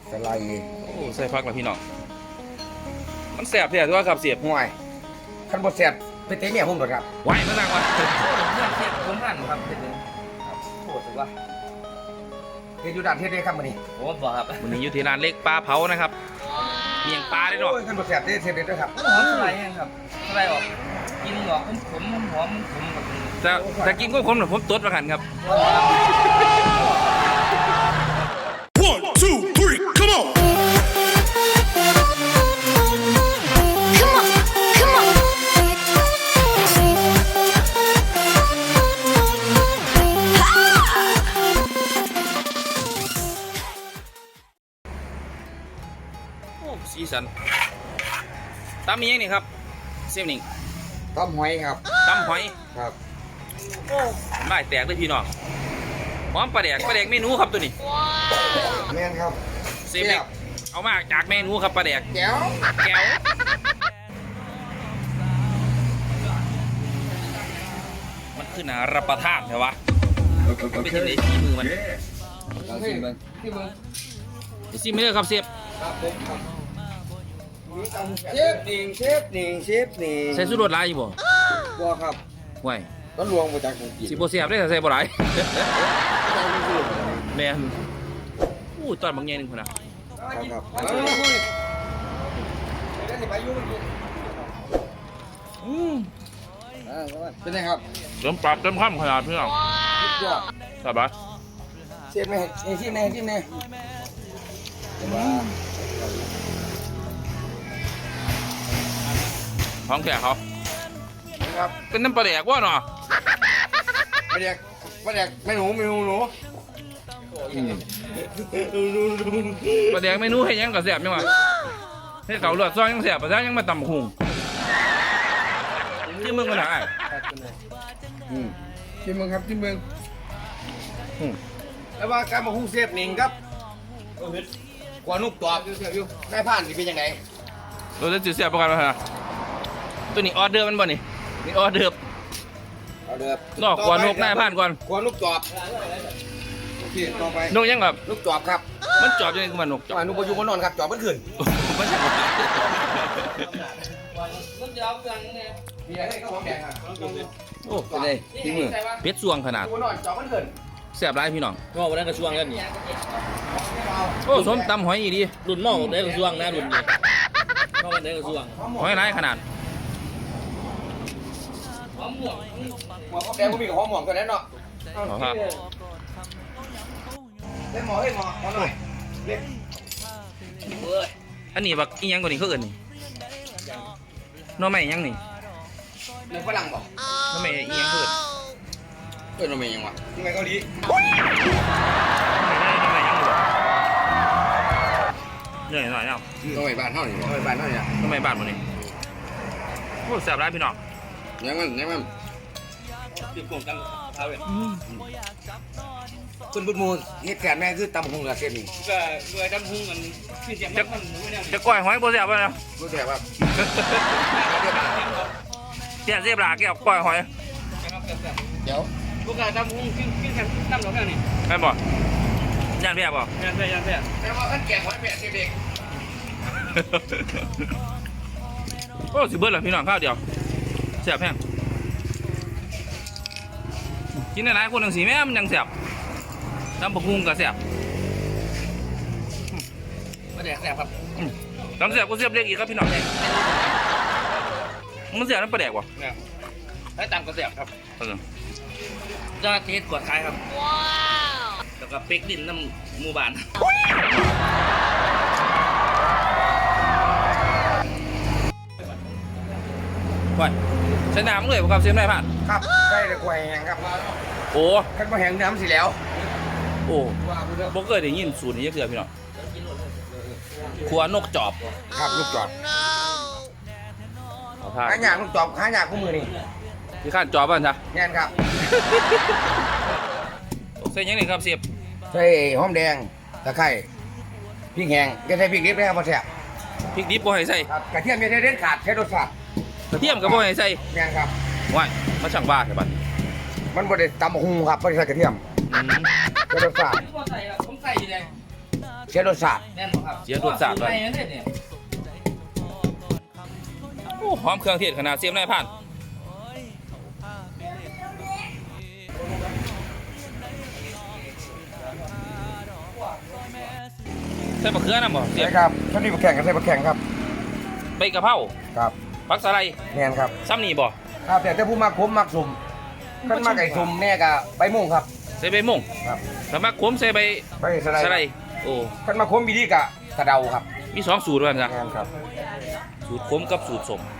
สไลด์โอ้ใส่พักแล้วพี่น้องมันแสบแท้ตัวครับเสียบห่วยคันบ่แซ่บไปเตะเนี่ยผมโดดครับไหวมานั่งวะเพื่อนเทียบผมรันครับเด็ดเลยโคตรสุดว่าเฮ็ดอยู่ด้านเฮ็ดได้ครับมื้อนี้ผมบอกครับวันนี้อยู่ที่ร้านเล็กปลาเผานะครับเมียงปลาได้ดอกโอ้ยคันบ่แซ่บเด้เฮ็ดได้ด้วยครับหอมสไลด์ครับสไลด์ออกกินออกขมหอมขมแบบนี้แต่กินก็คมหน่อยผมตดประกันครับ 1, 2, 3, come on! Come on, come on. โอ้สีสันตำมีอย่างนี้ครับเสียบหนิงต้มหอยครับตำหอยครับโอ้ได้แตกเลยพี่น้องหอมปลาแดกเมนูครับตัวนี้แม่นครับเซฟเล็กเอามาจากเมนูครับปลาแดกแก้วแก้วมันคือน่ารับประทานใช่ปะไม่ใช่ในฝีมือมันลองชิมเบิ่งไปซิมไม่ได้ครับเซฟครับผมครับเชฟหนิงเชฟหนิงเชฟหนิงใส่สูตรรสลายอยู่บ่บ่ครับห่วยต้นรวงมาจากของกินสิบ่เสียบได้แต่ใส่บ่หลาย แม่นอู้ตอนบางแง่หนึงพุ่นน่ะครับเป็นไงครับเติมปรับเติมข้ามขนาดพี่น้องยอดสบายเชฟแม่ชิมแน่ชิมแน่ของแก่เขาครับเป็นน้ำปลาแดกว่าเนาะประเด็กไม่หนูหนูปลาแดกเมนูให้ยังก็แซ่บยังวะให้เก่าเลือดซอยยังแซ่บปลาแดกยังมาตำหุงที่มึงกันหน่อยชิมเมืองครับชิมเมืองอืมแล้วว่าการมาหุ้งเชฟหนิงครับกว่านุกตอบอยู่ได้ผ่านนี่เป็นยังไงเราจะจืดแซ่บประกันมาฮะตัวนี้ออเดอร์มันบ่นี่นี่ออเดอร์เอาเด้อนอกกว่านกหน้าผ่านก่อนกว่านุกตอบโอเคต่อไปนกยังแบบนุกตอบครับมันจอบยังไงคือมันนกจอบว่านุกประยุกต์นอนครับจอบมันขึ้นมันใช่มันจะเอาเครื่องเนี่ยมีอะไรก็หอมแดงครับโอ้เป็นไงที่มือเพชรสวงขนาดประยุกต์นอนจอบมันขึ้นแซ่บร้ายพี่น้องหม้อวันนั้นกระช่วงกันนี่โอ้สมตำหอยอีดีรุ่นหม้อได้กระช่วงนะรุ่นนี้หม้อวันได้กระช่วงหอยร้ายขนาดหอมหมวกหมอหอมแดงก็มีกับหอมหมองตัวนั้นเนาะขอครับเล่นหมอให้หมอหน่อยเล่นอันนี้บักอีหยังกว่านี้เขาเอิ้นนี่หน้อไม้ยังนี่เล่นฝรั่งบอกหน้อไม้อีหยังเขาเอิ้นเออทำไมยังวะทำไมเกาหลีหน้อไม้ยังบ่เหนื่อยหน่อยเนาะทำไมบ้านเท่านี้ทำไมบ้านเท่านี้หน้อไม้บ้านบ่นี่โอ้แซ่บร้ายพี่น้องยังมันติดกลุ่มกันเอาเลยคุณบุญมูลเหตุการณ์แม่คือตำหงเหลือเส้นนี่ก็เบื่อดำหุ้งมันขึ้นเสียงมันหมูเนี่ยจะก้อยหอยบ่แซ่บบ่เนาะรู้แต่ว่าเสียเสียบลาแก้วก้อยหอยเดี๋ยวพวกการดำหุ้งขึ้นกันน้ำหลอกกันนี่แม่นบ่ย่านแพ้บ่ยันแพ้ยันแพ้แต่ว่าขั้นแก่หอยแปะเด็กโอ้สิเบิดแล้วพี่น้องข้าวเดียวแซ่บแพงกินได้หลายคนจังสิแม่มันยังแซ่บตำบักหุ่งก็แซ่บมาแดกแสบครับตำแซ่บก็แซ่บเรียกอีกครับพี่น้องมันแซ่บน้ำปลาแดกบ่เนี่ยให้ตามกระแสบครับเออเจ้าหน้าที่กวดท้ายครับแล้วก็เป๊กดินน้ำหมู่บ้านไปใช้น้ำเลยบ่ครับเสียมได้ผ่านครับใกล้จะกวยแหงครับโอ้ขั้นมาแหงน้ำสิแล้วโอ้บ่เคยได้ยินสูตรนี้จักเทื่อพี่น้องขัวนกจอบครับลูกจอดเอาท่าหาหยาลูกจอบหาหยาคู่มือนี่ที่ข้านจอบบ้านซะแน่นครับใส่หยังนี่ครับเสียบใส่หอมแดงตะไคร้พริกแห้งจะใส่พริกดิบนะครับพ่อแซ่บพริกดิบบ่ให้ใส่ครับกระเทียมจะได้เด็ดขาดแค่รสชาติกระเทียมก็บ่ให้ใส่แน่นครับว้ายเขาช่างบ้าใช่บัดมันบ่ได้ตำบักหุงครับบ่ได้ใส่กระเทียมอืมแค่รสชาติผมใส่อยู่เลยเสียรสชาติแน่นบ่ครับเสียรสชาติไปนั่นเนี่ยโอ้หอมเครื่องเทศขนาดเสียบนายผ่านใส่มะเขือนะบ่เสียใช่บครับท่านนี่มาแข่งกันใช่มาแข่งครับใบกะเพราครับผักสะไลด์แน่นครับซ้ำนี่บ่ครับแต่ผู้มักผมมักสุ่มขันมักไก่สุ่มแน่กะใบม่วงครับใส่ใบม่วงครับสมักขมใส่ใบใบสไลสะไลด์ด์โอ้ขันมาผมมีดีกะกระเดาครับมี2สูตรว่าซั่นแน่นครับสูตรขมกับสูตรสม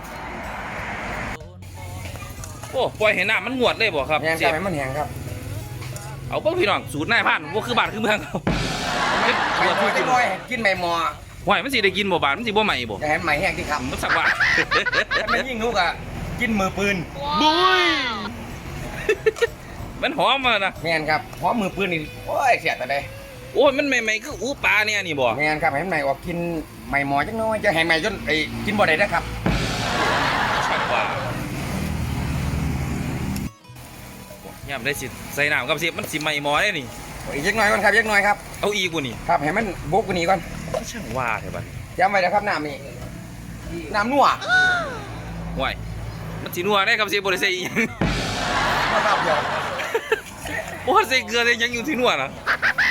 โอ้ปล่อยให้น้ำมันงวดเลยบ่ครับแน่นเสีครัยบบ ให้มันแห้งครับเอาเบิ่งพี่น้องสูตรนายผ่านบ่คือบ้านคือเมืองเขาไม่ช่วยน้อยกินใบมอห่วยมันสิได้กินบ่บาดมันสิบ่ใหม่บ่จะให้มันใหม่แห้งที่คำมันสักว่าถ้ามันยิ่งนุกอะกินมือปืนบุ้ยมันหอมมานะแม่นครับเพราะมือปืนนี่โอ้ยเสียแต่ใดโอ้ยมันใหม่ๆคืออูปลาเนี่ยนี่บ่แม่นครับให้มันใหม่ออกกินใหม่หมอจังน้อยจะให้ใหม่จนไอ้กินบ่ได้นะครับสักว่าย่ำได้สิใส่น้ำกับเสียบมันสิใหม่หมอได้นี่อีกจักหน่อยก่อนครับจักหน่อยครับเอาอีกว่านี่ครับให้มันบกกว่านี้ก่อนช่างว่าเถอะบัดจำไว้นะครับน้ำนี่น้ำนัวห่วยมันสินัวได้กับเสียบบ่ได้ใส่อีหยังนัวเปล่าเดียวโอ้ใส่เกลือได้ยังอยู่ที่นัวนะ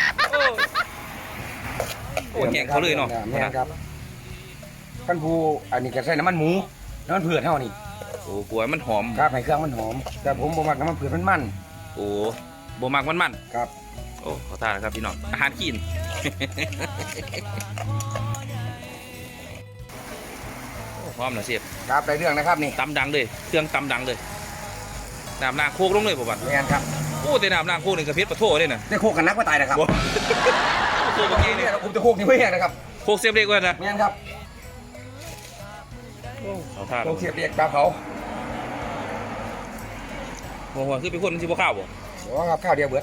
โอ้แกงเขาเลยเนาะแม่นครับท่านผู้อันนี้ก็ใส่น้ำมันหมูน้ำมันเผือกเท่านี้โอ้กลัวมันหอมครับให้เครื่องมันหอม แต่ผมบ่มักน้ำมันเผือกมันมันโอ้บ่มักมันครับโอ้ขอทานนะครับพี่น้องอาหารกิน โอ้พร้อมนะเสียบครับได้เรื่องนะครับนี่ตำดังเลยเครื่องตำดังเลยน้ำนางโคกลงเลยป่ะบัดแม่นครับโอ้แต่น้ำนางโคกนี่กระเพชรปะโถเลยนะได้โคกกันนักว่าตายนะครับโคกเมื่อกี้นี่ผมจะโคกนี่ไม่แห้งนะครับโคกเสียบเล็กกว่านะแม่นครับขอทานโคกเสียบเรียกปลาเผาหัวคือเป็นคนที่บ่ข้าวบ่โอ้ครับข้าวเดียวเบิด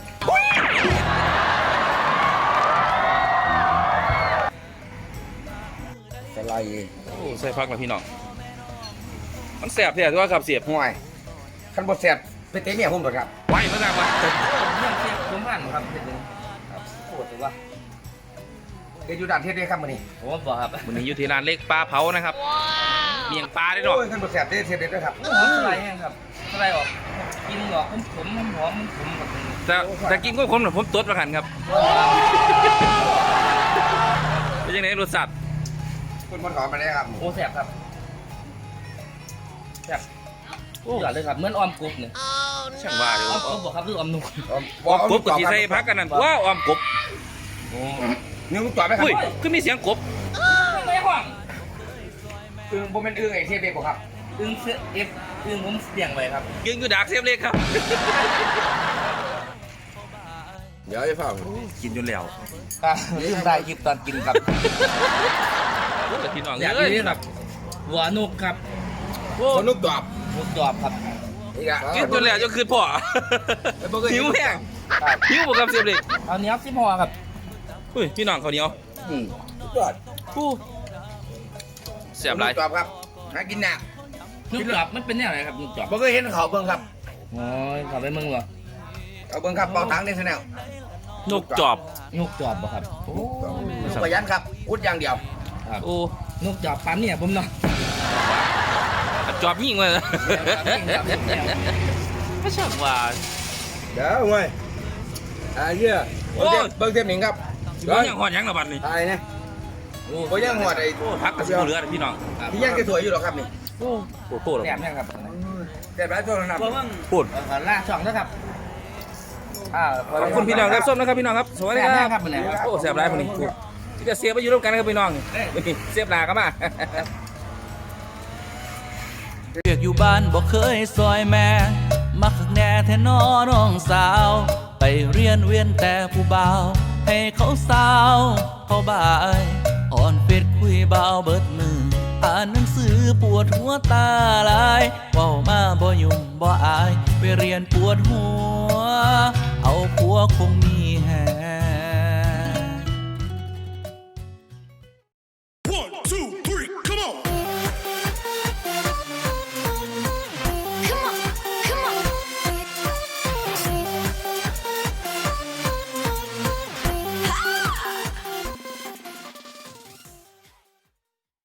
สไลด์โอ้ใส่พักนะพี่น้องมันแสบแท้ที่ว่าครับเสียบห่วยขันบดแสบไปเตะเมียผมโดดครับไว้มาจากว่าเรื่องเสียบผมผ่านครับเห็นเลยครับโคตรเลยว่าเดี๋ยวอยู่ด่านเทศด้วยครับมื้อนี้ผมว่าบอกครับวันนี้อยู่ที่ร้านเล็กปลาเผานะครับเมียงปลาได้ดอกโอ้ยขันบดแสบเทศด้วยครับหอมสไลด์แห้งครับสไลด์ออกกินออกผมหอมผมแบบแต่กินก็คมหน่อยผมตดประกันครับเป็นยังไงรสชาติคุณบนขอมาได้ครับโอ้แสบครับแสบโอ้หลานเลยครับเหมือนออมกบเนี่ยช่างว่าเดี๋ยวออมกบบอกครับหรือออมนุ่มออมกบกับที่ใส่พักกันนั่นว้าวออมกบนิ้วต่อไหมครับอุ้ยคือมีเสียงกบไม่ห่วงอึ้งผมเป็นอึ้งไอ้เทศเด็กบ่ครับอึ้งเสื้อเอฟอึ้งผมเสี่ยงไว้ครับยืนอยู่ดากเสียบเล็กครับเดี๋ยวจะฟังกินจนแล้วครับลืมได้หยิบตอนกินครับแต่พี่น้องอยากเอ้ยกินครับหัวนกครับคนนุกตอบนกจอบครับอีกอ่ะกินจนแล้วจนคืนพ่อหิวแห้งหิวบ่ครับเสียบเล็กเอาเนี้ยซิมอครับอุ้ยพี่น้องเขาวเหนียวยอดอู้เสียบไรตอบครับหากินหนักนกจอบมันเป็นแนวไหนครับนกจอบบ่เคยเห็นเขาเบิ่งครับโอ้ยขอไปมึงเหรอเอาเบิ่งครับเป่าตังในแนลนกจอบนกจอบบ่ครับลูกประยันครับอุดอย่างเดียวครับโอ้นกจอบปันเนี่ยผมเนาะจอบยิ่งเลยไม่ใช่ว่าเดี๋ยวเว้ยเหี้ยเบิ่งเทปหนิงครับสิบ่ยังหอดยังละบัดนี่ตายนะบ่ยังหอดไอ้โอ้พักกับสิบ่เหลือนะพี่น้องที่ยังจะสวยอยู่หรอครับนี่โอ้โหโตแล้วแสบเนี่ยครับแต่ร้ายตัวนั้นเพราะว่าพูดล่าช่องนะครับขอบคุณพี่น้องรับส้มนะครับพี่น้องครับสวัสดีแสบคแน่รับครับมันเนี่ยโอ้เสียบไรคนนี้ที่จะเสียบไปอยู่ร่วมกันนะครับพี่น้องเสียบหนาก็มาเรียกอยู่บ้านบอกเคยซอยแม่ มักขักแน่แท้น้อน้องสาว ไปเรียนเวียนแต่ผู้บ่าว ให้เขาสาวเขาบ่ายอ่อนเป็ดคุยเบาเบิดมือ อ่านหนังสือปวดหัวตาลายเว้ามาบ่ยุ่งบ่อาย ไปเรียนปวดหัว เอาผัวคงมีแหง